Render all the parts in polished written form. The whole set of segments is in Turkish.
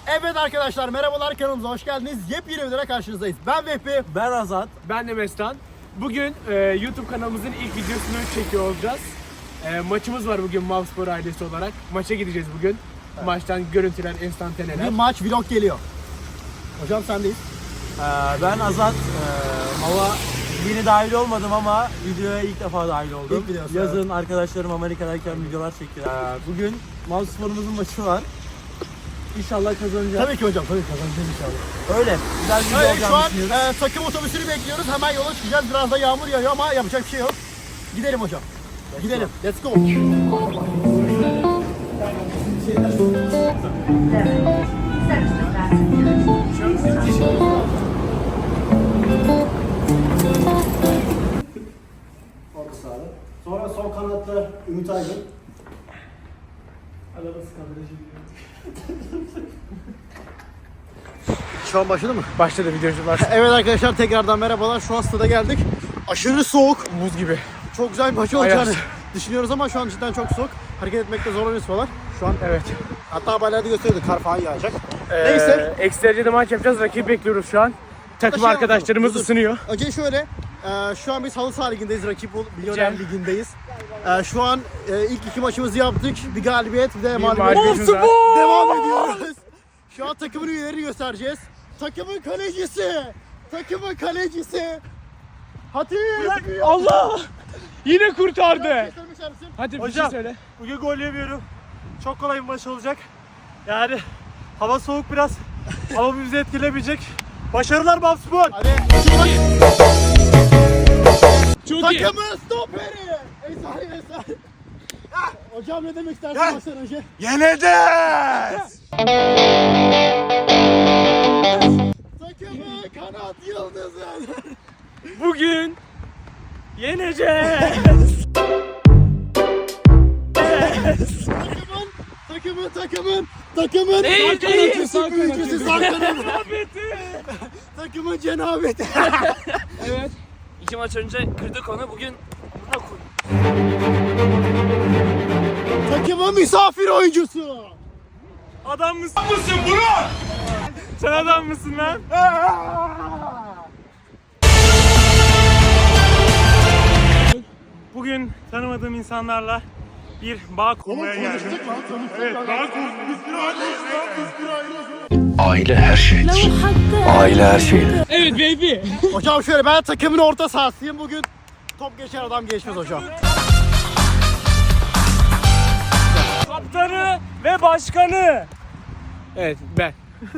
Evet arkadaşlar merhabalar, kanalımıza hoş geldiniz. Yepyeni videolara karşınızdayız. Ben Vehbi. Ben Azat. Ben de Mestan. Bugün YouTube kanalımızın ilk videosunu çekiyor olacağız. Maçımız var bugün Mavspor ailesi olarak. Maça gideceğiz bugün. Maçtan görüntüler, enstantaneler. Bir maç vlog geliyor. Hocam sendeyiz. Ben Azat. Hava yeni dahil olmadım ama videoya ilk defa dahil oldum. İlk videosu, Yazın arkadaşlarım Amerika'dayken videolar çekiyor. Bugün Mavspor'umuzun maçı var. İnşallah kazanacağız. Tabii ki hocam, tabii kazanacağız inşallah. Öyle. Güzel bir video Evet, şu olacağını an düşünüyoruz. takım otobüsünü bekliyoruz. Hemen yola çıkacağız. Biraz da yağmur yağıyor ama yapacak bir şey yok. Gidelim hocam. Gidelim. Let's go. Orta sahada. Sonra sol kanatta Ümit Aydın. Şu an başladı mı? Başladı videocular. Evet arkadaşlar, tekrardan merhabalar. Şu an stada geldik. Aşırı soğuk. Buz gibi. Çok güzel bir maç olacağını Ayaz. düşünüyoruz ama şu an cidden çok soğuk. Hareket etmekte zorlanıyoruz falan. Şu an Evet. hatta haberlerde gösteriyordu, kar falan yağacak. Neyse. Eksi derecede maç yapacağız. Rakip bekliyoruz şu an. Takım Şey arkadaşlarımız yapalım, ısınıyor. Önce şöyle, şu an biz halı saha ligindeyiz, rakip Milyoner Cem. ligindeyiz. Şu an ilk iki maçımızı yaptık. Bir galibiyet, bir de mağlubiyet. mağlubiyetimiz var. Devam ediyoruz. Şu an takımın üyelerini göstereceğiz. Takımın kalecisi. Takımın kalecisi. Hatip. Allah! Yine kurtardı. Göstermişler misin? Hadi bir Hocam. şey söyle. Bugün gol yemiyorum. Çok kolay bir maç olacak. Yani hava soğuk biraz. Ama bizi etkilemeyecek. Başarılar Mavspor. Hadi. Çok iyi. Takımın stoperi. Esari. Hocam ne demek istersin maçtan önce? Yeneceğiz. Takımın kanat yıldızı. Bugün yeneceğiz. Takımın Değil, sağ değil. kanatçısı, Sağ büyücüsü, sağ kanatı. Cenabeti. Takımın cenabeti. Evet. 2 maç önce kırdık onu, bugün buna koy. Takımın misafir oyuncusu. Adam mısın? Burak? Sen adam mısın lan? Bugün tanımadığım insanlarla bir bağ kurmaya geldim. Evet, bağ kurduk. Aile her şeydir. Aile her şeydir. Evet baby. Hocam şöyle, ben takımın orta sahasıyım. Bugün top geçer adam geçmez hocam. Kaptanı ve başkanı. Evet, ben.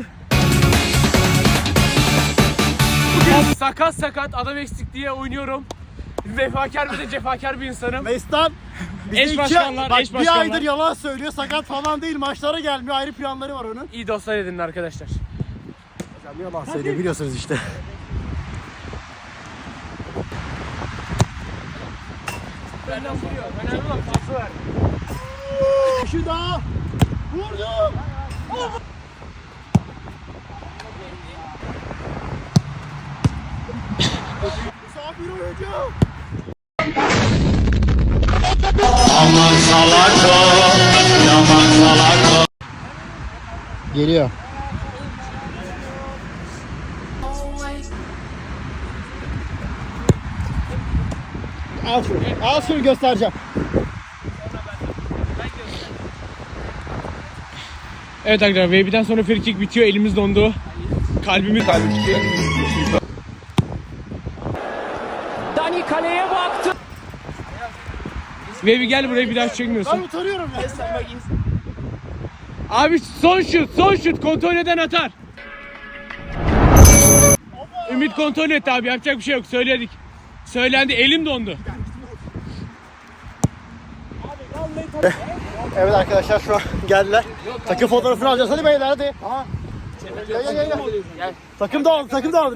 Bugün sakat adam eksik diye oynuyorum. Vefakar ve de cefakar bir insanım. Mestan bize Eş başkanlar, bak, eş bir başkanlar. aydır yalan söylüyor. Sakat falan değil. Maçlara gelmiyor. Ayrı planları var onun. İyi dostlar edinin arkadaşlar. Hocam yalan söylüyor, biliyorsunuz işte. Benden vuruyor. Önemli olan pası ver. Şu daha. Vurdum. Misafir oyuncu. Geliyor. Al şunu. Al şunu, göstereceğim. Evet arkadaşlar, Baby'den sonra free kick bitiyor. Elimiz dondu. Kalbimiz tutuyor. Dani kaleye baktı. Baby gel buraya, bir daha çekmiyorsun. Ben utanıyorum ya. Abi son şut kontrol eden atar. Ümit kontrol etti abi, yapacak bir şey yok, söyledik. Söylendi, elim dondu. Evet arkadaşlar, şu an geldiler. Takım fotoğrafını alacağız. Hadi beyler, hadi. Gel. Takım dağıldı.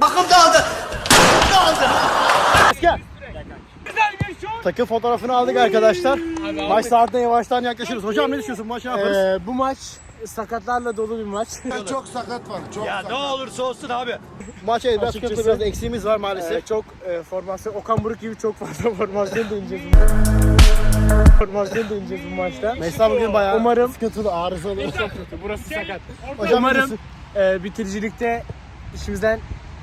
Gel. Güzel bir şut. Takım fotoğrafını aldık arkadaşlar. Abi, Maç saatine yavaştan yaklaşıyoruz. Hocam ne düşünüyorsun? Bu maçı ne yaparız? Bu maç sakatlarla dolu bir maç. Çok sakat var. Çok sakat. Ne olursa olsun abi. Maç evet, biraz Açıkçası- sıkıntı, biraz eksiğimiz var maalesef. Çok formasyon, Okan Buruk gibi çok fazla formasyon deneyeceğiz. Formasyon deneyeceğiz bu maçta. Mesela bugün bayağı Umarım- sıkıntılı, arızalı. Burası sakat. Hocam Umarım biliyorsun. bitiricilikte işimizden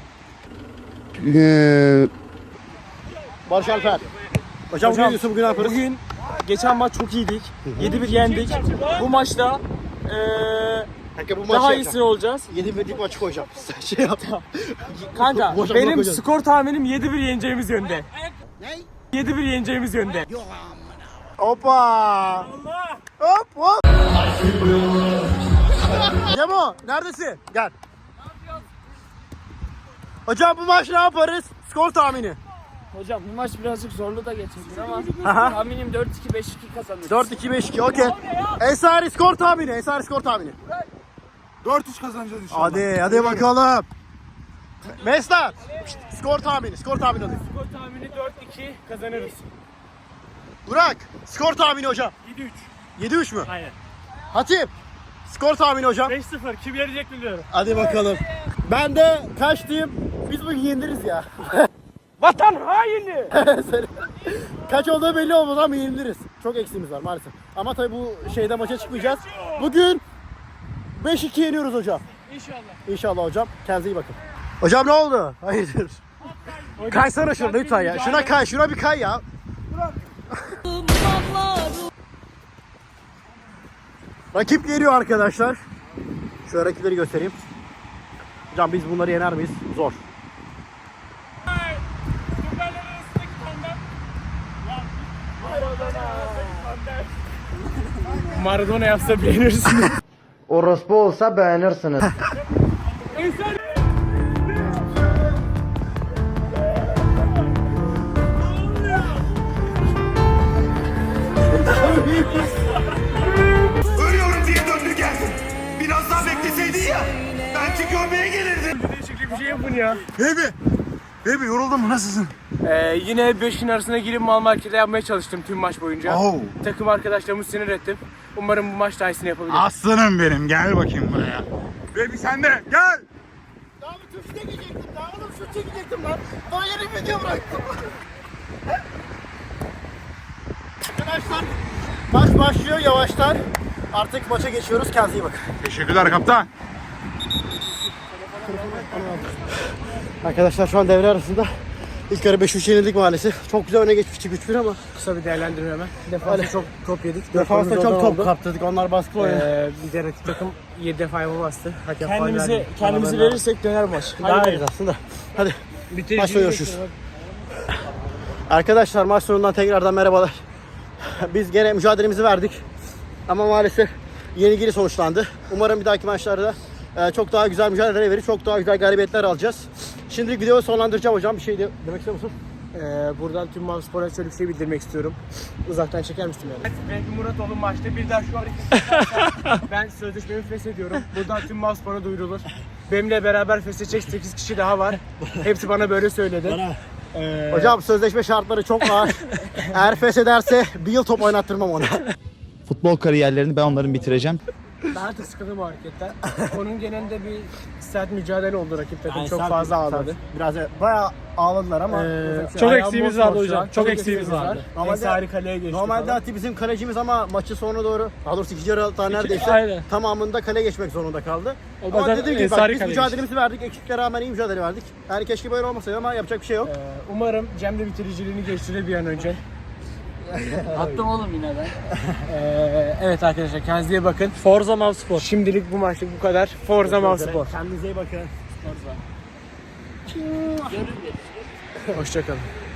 Barış Alper. Hocam bugün diyorsun, bugün ne yaparız? Bugün geçen maç çok iyiydik. 7-1 yendik. Bu maçta Kanka bu daha maçı iyisi olacağız. 7-1'lik maçı koyacağım. Sen şey yap. Kanka Hocam, benim bakacağız. skor tahminim 7-1 yeneceğimiz yönde. 7-1 yeneceğimiz yönde. Hoppa. Hop hop. Cemo neredesin? Gel. Hocam bu maç ne yaparız? Skor tahmini. Hocam bu maç birazcık zorlu da geçebilir ama Aha. tahminim 4-2 5-2 kazanırız. 4-2-5-2 okey. Ensari skor tahmini. Ensari skor tahmini. 4-3 kazanacağız inşallah. Hadi bakalım. Mesler. Skor tahmini. Skor tahmini hadi. Skor tahmini 4-2 kazanırız. Burak. Skor tahmini hocam. 7-3. 7-3 mü? Aynen. Hatip. Skor tahmini hocam. 5-0. Kim yenecek biliyorum. Hadi bakalım. Ben de kaç diyeyim? Biz bugün yeniliriz ya. Vatan haini. Kaç olduğu belli olmaz ama yeniliriz. Çok eksiğimiz var maalesef. Ama tabii bu şeyde maça çıkmayacağız. Bugün 5-2 yeniyoruz hocam. İnşallah. İnşallah hocam. Kendinize iyi bakın. Hocam ne oldu? Hayırdır? Kaysana şurada lütfen ya. Şuna kay, şuna bir kay ya. Rakip geliyor arkadaşlar. Şöyle rakipleri göstereyim. Hocam biz bunları yener miyiz? Zor. Maradona yapsa beğenirsiniz. Orospu olsa beğenirsiniz. Ölüyorum diye döndü geldin. Biraz daha bekleseydin ya. Belki görmeye gelirdim. Değişiklik bir şey yapın ya. Baby yoruldun mu? Nasılsın? Yine 5'in arasına girip mal markete yapmaya çalıştım tüm maç boyunca. Oh. Takım arkadaşlarımı sinir ettim. Umarım bu maç daha iyisini yapabilirim. Aslanım benim. Gel bakayım buraya. Baby sen de gel. Daha bir şut çekecektim. Daha oğlum şut çekecektim lan. Daha yeni video bıraktım. Arkadaşlar maç başlıyor yavaştan. Artık maça geçiyoruz. Kendinize iyi bakın. Teşekkürler kaptan. Arkadaşlar şu an devre arasında. İlk yarı 5-3 yenildik maalesef. Çok güzel öne geçmiştik 3-1 ama. Kısa bir değerlendirme hemen. Defansta çok top yedik. Defansta Dört çok golümüz top oradan oldu. kaptırdık. Onlar baskı oynadı. Bir de rakip takım 7 defa yapı bastı. Hakem Kendimizi kendimizi verirsek döner maç. Daha iyi aslında. Hadi. Bitirici Maçta görüşürüz. Arkadaşlar maç sonundan tekrardan merhabalar. Biz gene mücadelemizi verdik. Ama maalesef yenilgili sonuçlandı. Umarım bir dahaki maçlarda çok daha güzel mücadele verip çok daha güzel galibiyetler alacağız. Şimdilik videoyu sonlandıracağım hocam. Bir şey demek istiyor musun? Buradan tüm Mavspor'a şöyle bir şey bildirmek istiyorum. Uzaktan çeker misin yani? Belki Muratoğlu maçta bir daha şu hareketi yaparsa ben sözleşmemi feshediyorum. Buradan tüm Mavspor'a duyurulur. Benimle beraber feshedecek 8 kişi daha var. Hepsi bana böyle söyledi. Hocam sözleşme şartları çok ağır. Eğer feshederse bir yıl top oynattırmam ona. Futbol kariyerlerini ben onların bitireceğim. Ben artık sıkıldım bu hareketten. Onun genelinde bir sert mücadele oldu rakip takım. Çok fazla ağladı. Biraz bayağı ağladılar ama. Çok eksiğimiz vardı hocam. Çok eksiğimiz vardı. Ensari kaleye geçti. Normalde falan. Ati bizim kalecimiz ama maçı sonuna doğru, daha doğrusu ikinci yarı hatta neredeyse aynen. tamamında kale geçmek zorunda kaldı. Ama bazen dediğim gibi bak, Ensari biz kale mücadelemizi verdik, eksiklere rağmen iyi mücadele verdik. Yani keşke böyle olmasaydı ama yapacak bir şey yok. Umarım Cem de bitiriciliğini geçtirir bir an önce. Attım oğlum yine ben. Evet arkadaşlar kendinize iyi bakın. Forza Mavspor. Şimdilik bu maçlık bu kadar. Forza Mavspor. Kendinize iyi bakın. Hoşçakalın.